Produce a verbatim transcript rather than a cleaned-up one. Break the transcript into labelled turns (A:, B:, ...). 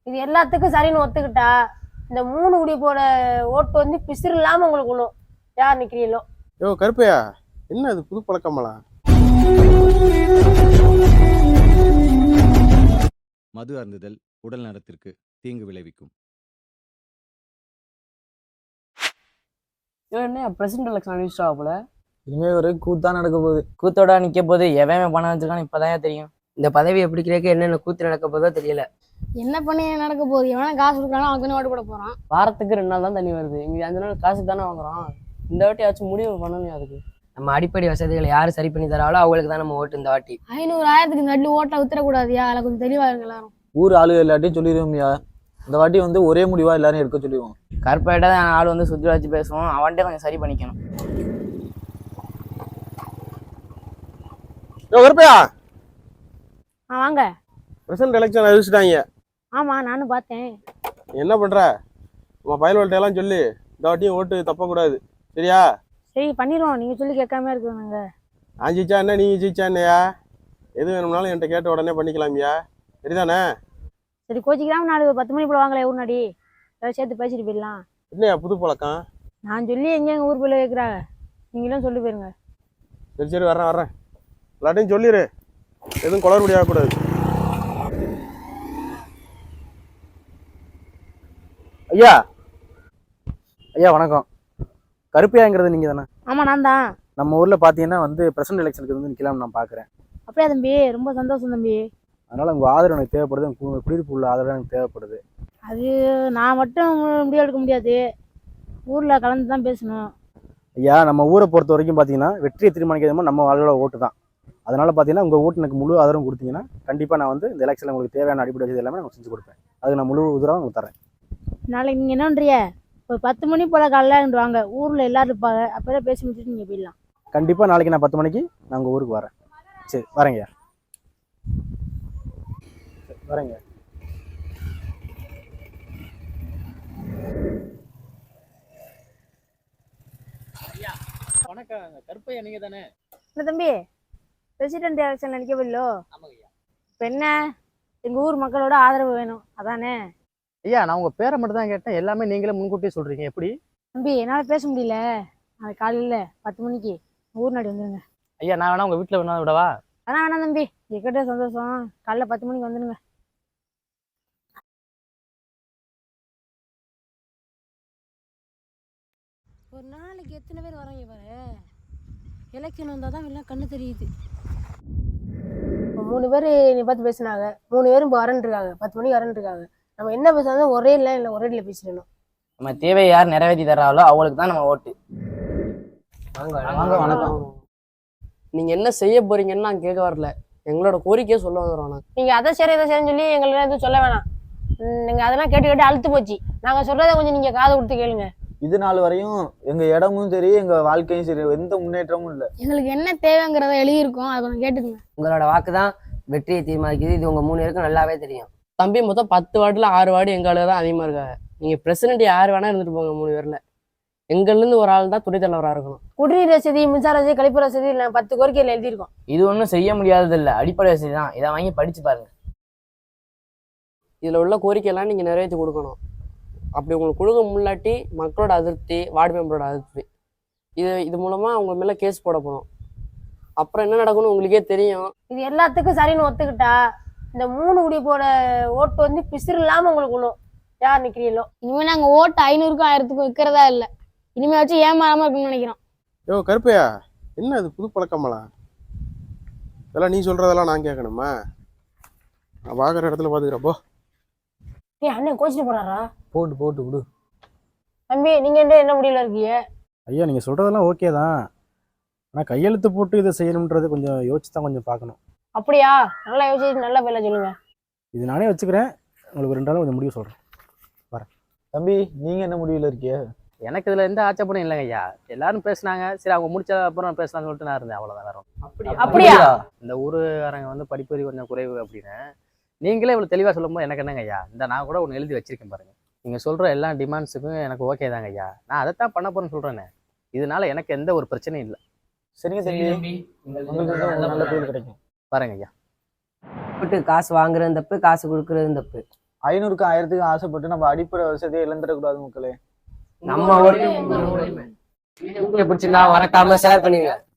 A: இது எல்லாத்துக்கும் சரின்னு ஒத்துக்கிட்டா இந்த மூணு குடி போட ஓட்டு வந்து பிசிறு இல்லாம உங்களுக்கு விழும். யார் நிக்கிறீங்களோ.
B: யோ கருப்பையா, என்ன அது புது பழக்கமெல்லாம்?
C: மது அருந்துதல் உடல் நலத்திற்கு தீங்கு விளைவிக்கும்.
D: என்ன பிரசிடென்ட் எலெக்ஷன் அனுப்பிச்சிட்டா போல.
E: இனிமே ஒரு கூத்தா நடக்க போகுது.
D: கூத்தோட நிக்க போது எவன் பணம் வச்சிருக்கான்னு இப்பதான் தெரியும்.
F: இந்த பதவி எப்படி கிடைக்க என்னென்ன கூத்து நடக்க போதோ தெரியல.
A: என்ன பண்ணி நடக்க போகுது? எவனா காசு கொடுக்குறானோ அவன் ஓட்டு போட போறான்.
D: வாரத்துக்கு ரெண்டு நாள் தான் தண்ணி வருது. இங்க அஞ்சு நாள் காசு தானே வாங்குறோம். இந்த வாட்டி ஆச்சும் முடிவு பண்ணணும். அதுக்கு
F: நம்ம அடிப்படை வசதிகளை யாரு சரி பண்ணி தராங்களோ அவங்களுக்கு தான் நம்ம ஓட்டு இந்த வாட்டி.
A: ஐநூறு ஆயிரத்துக்கு இந்த வாட்டி ஓட்டை வித்துறக்கூடாதியா? அதில் கொஞ்சம் தெளிவா இருங்க எல்லாரும்.
E: ஊர் ஆளு எல்லாத்தையும் சொல்லிடுவோம்யா. இந்த வாட்டி வந்து ஒரே முடிவா எல்லாரும் எடுக்க சொல்லிடுவோம்.
D: கருப்பாயிட்டா ஆள் வந்து சுற்றி வச்சு பேசுவோம். அவன்கிட்ட கொஞ்சம் சரி பண்ணிக்கணும்.
B: யோ கருப்பையா,
A: ஆ வாங்க.
B: பிரசிடென்ட் எலெக்ஷன் அறிவிச்சிட்டாங்க.
A: ஆமா நானும் பார்த்தேன்.
B: என்ன பண்ற? உங்க பயல்வல்ட்ட எல்லாம் சொல்லி இந்த வாட்டியும் ஓட்டு தப்பக்கூடாது, சரியா?
A: சரி பண்ணிடுவோம். நீங்க சொல்லி கேட்காம இருக்குங்க.
B: நான் ஜெயிச்சா என்ன, நீங்க ஜெயிச்சா என்னையா? எது வேணும்னாலும் என்கிட்ட கேட்ட உடனே பண்ணிக்கலாமியா, சரிதானே?
A: சரி கோச்சிக்கிறாம நாலு பத்து மணி போல வாங்களே ஊர் நாடி. ஏதாவது சேர்த்து பேசிட்டு போயிடலாம்.
B: என்னையா புது பழக்கம்?
A: நான் சொல்லி எங்க எங்க ஊர் போய் கேட்குறாங்க. நீங்களும் சொல்லி போயிருங்க.
B: சரி சரி வர்றேன் வர்றேன். எல்லாத்தையும் சொல்லிடு, எதுவும் குளறுபடி ஆகக்கூடாது.
E: ஐயா ஐயா வணக்கம். கருப்பையாங்கிறது நீங்க தானே?
A: ஆமா நான் தான்.
E: நம்ம ஊர்ல பாத்தீங்கன்னா வந்து பிரசிடென்ட் எலெக்ஷனுக்கு வந்து நிக்கலாம்னு நான் பாக்குறேன்.
A: அப்படியா தம்பி? ரொம்ப சந்தோஷம் தம்பி.
E: அதனால உங்க ஆதரவு எனக்கு தேவைப்படுது. உங்க குடியிருப்பு உள்ள ஆதரவு எனக்கு தேவைப்படுது.
A: அது நான் மட்டும் முடிவு எடுக்க முடியாது. ஊர்ல கலந்து தான் பேசணும்.
E: ஐயா நம்ம ஊரை பொறுத்த வரைக்கும் பாத்தீங்கன்னா வெற்றியை தீர்மானிக்கிறது நம்ம ஆளோட ஓட்டு தான். அதனால பாத்தீங்கன்னா உங்க ஓட்டு எனக்கு முழு ஆதரவு கொடுத்தீங்கன்னா கண்டிப்பா நான் வந்து இந்த எலெக்ஷன்ல உங்களுக்கு தேவையான அடிப்படை வசதி எல்லாமே நான் செஞ்சு கொடுப்பேன். அதுக்கு நான் முழு உதவியாக உங்களுக்கு தரேன்.
A: நாளைக்கு நீங்க என்ன பண்றிய? ஒரு பத்து மணி போல காலைல வாங்க. ஊர்ல எல்லாரும் இருப்பாங்க. அப்பதான் பேசி முடிச்சுட்டு நீங்க போயிடலாம்.
E: கண்டிப்பா நாளைக்கு நான் பத்து மணிக்கு நான் உங்க ஊருக்கு வரேன். சரி வரேங்க. வரேங்க.
D: வணக்கம். கருப்பையா நீங்க தானே?
A: என்ன தம்பி, பிரசிடென்ட் எலெக்ஷன்ல நிக்க போயிலோ? இப்ப என்ன, எங்க ஊர் மக்களோட ஆதரவு வேணும் அதானே?
D: ஐயா நான் உங்க பேரை மட்டும் தான் கேட்டேன். எல்லாமே நீங்களே முன்கூட்டியே சொல்றீங்க. எப்படி
A: தம்பி என்னால பேச முடியல. நாளைக்கு காலையில பத்து மணிக்கு ஊர் நாடி வந்துருங்க.
D: ஐயா நான் வேணா உங்க வீட்டுல வேணா விடவா?
A: அதான் வேணாம் தம்பி, எக்கிட்ட சந்தோஷம். காலைல பத்து மணிக்கு வந்துடுங்க. ஒரு நாளைக்கு எத்தனை பேர் வராங்க பாரு. எலெக்ஷன் வந்தால் தான் எல்லாம் கண்ணு தெரியுது. இப்போ மூணு பேர் நீ பார்த்து பேசினாங்க. மூணு பேரும் இப்போ வரன்னு இருக்காங்க. பத்து மணிக்கு வரன்னு இருக்காங்க. நம்ம என்ன பேசுறோம் ஒரே இல்லை இல்லை ஒரே இல்லை பேசிடணும்.
D: நம்ம தேவையை யார் நிறைவேற்றி தர்றாங்களோ அவங்களுக்கு தான் நம்ம ஓட்டு.
E: வாங்க வணக்கம்.
F: நீங்க என்ன செய்ய போறீங்கன்னு நான் கேட்க வரல. எங்களோட கோரிக்கையை சொல்ல வந்துடுறோம்.
A: நீங்க அதை சரி இதை சரின்னு சொல்லி எங்களுக்கு எதுவும் சொல்ல வேணாம். நீங்க அதெல்லாம் கேட்டு கேட்டு அழுத்து போச்சு. நாங்க சொல்றதை கொஞ்சம் நீங்க காது கொடுத்து கேளுங்க.
E: இது நாள் வரையும் எங்க இடமும் சரி எங்க வாழ்க்கையும் சரி எந்த முன்னேற்றமும் இல்லை.
A: எங்களுக்கு என்ன தேவைங்கிறத எழுதியிருக்கோம், அதை கொஞ்சம் கேட்டுக்கோங்க.
F: உங்களோட வாக்கு தான் வெற்றியை தீர்மானிக்குது. இது உங்க மூணு பேருக்கும் நல்லாவே தெரியும். தம்பி மொத்தம் பத்து வார்டுல ஆறு வார்டு எங்க தான் அதிகமா இருக்காங்க. நீங்க பிரசிடென்ட் யார் வேணா இருந்துட்டு போங்க. மூணு பேர்ல எங்கள்ல இருந்து ஒரு ஆள் தான் துணை தலைவராக இருக்கணும்.
A: குடிநீர் வசதி, மின்சார வசதி, கழிப்பற வசதி நான் பத்து கோரிக்கையில் எழுதியிருக்கோம்.
D: இது ஒன்றும் செய்ய முடியாதது இல்லை, அடிப்படை வசதி தான். இதை வாங்கி படிச்சு பாருங்க.
F: இதுல உள்ள கோரிக்கையெல்லாம் நீங்க நிறைவேற்றி கொடுக்கணும். அப்படி உங்களுக்கு கொடுக்க முன்னாடி மக்களோட அதிருப்தி, வார்டு மெம்பரோட அதிருப்தி, இது இது மூலமா அவங்க மேல கேஸ் போட போறோம். அப்புறம் என்ன நடக்கும்னு உங்களுக்கே தெரியும்.
A: இது எல்லாத்துக்கும் சரின்னு ஒத்துக்கிட்டா இந்த மூணு குடி போட ஓட்டு வந்து பிசிறு இல்லாம உங்களுக்கு விழும். யார் நிக்கிறீங்களோ. இனிமே நாங்க ஓட்டு ஐநூறுக்கும் ஆயிரத்துக்கும் விற்கிறதா இல்லை. இனிமே வச்சு ஏமாறாம இருக்குன்னு நினைக்கிறோம்.
B: யோ கருப்பையா, என்ன அது புது பழக்கமெல்லாம்? இதெல்லாம் நீ சொல்றதெல்லாம் நான் கேட்கணுமா? நான் பார்க்குற இடத்துல பார்த்துக்கிறேன் போ.
A: ஏ அண்ணன் கோச்சிட்டு போறாரா?
E: போட்டு போட்டு விடு.
A: தம்பி நீங்க என்ன என்ன முடியல இருக்கீங்க?
E: ஐயா நீங்கள் சொல்கிறதெல்லாம் ஓகே தான். ஆனால் கையெழுத்து போட்டு இதை செய்யணுன்றது கொஞ்சம் யோசிச்சு தான் கொஞ்சம் பார்க்கணும்.
A: அப்படியா? நல்லா யோசிச்சு நல்லா பேர்ல சொல்லுங்க.
E: இது நானே வச்சுக்கிறேன். உங்களுக்கு ரெண்டு நாளும் கொஞ்சம் முடிவு சொல்கிறேன். வரேன். தம்பி நீங்கள் என்ன முடிவில் இருக்கிய?
D: எனக்கு இதுல எந்த ஆச்சப்படும் இல்லைங்க ஐயா. எல்லாரும் பேசினாங்க, சரி அவங்க முடிச்ச அப்புறம் பேசலாம்னு சொல்லிட்டு நான் இருந்தேன். அவ்வளோதான். வேற
A: அப்படியா?
D: இந்த ஊருக்காரங்க வந்து படிப்பறி கொஞ்சம் குறைவு அப்படின்னு நீங்களே இவ்வளோ தெளிவாக சொல்லும்போது எனக்கு என்னங்க ஐயா, இந்த நான் கூட ஒன்று எழுதி வச்சிருக்கேன் பாருங்க. நீங்கள் சொல்கிற எல்லா டிமாண்ட்ஸுக்கும் எனக்கு ஓகே தாங்க ஐயா. நான் அதைத்தான் பண்ண போறேன்னு சொல்கிறேனே. இதனால எனக்கு எந்த ஒரு பிரச்சனையும் இல்லை.
E: சரிங்க தம்பி, உங்களுக்கு நல்ல பேர் கிடைக்கும்.
D: பாருங்க ஐயா.
F: போட்டு காசு வாங்குறது தப்பு, காசு கொடுக்கறது தப்பு.
G: ஐநூறுக்கு ஆயிரத்துக்கு ஆசைப்பட்டு நம்ம அடிப்படை வசதியை இழந்துடக்கூடாது மக்களே.
F: நம்ம ஓட்டு பிடிச்சிருந்தா மறக்காம ஷேர் பண்ணுங்க.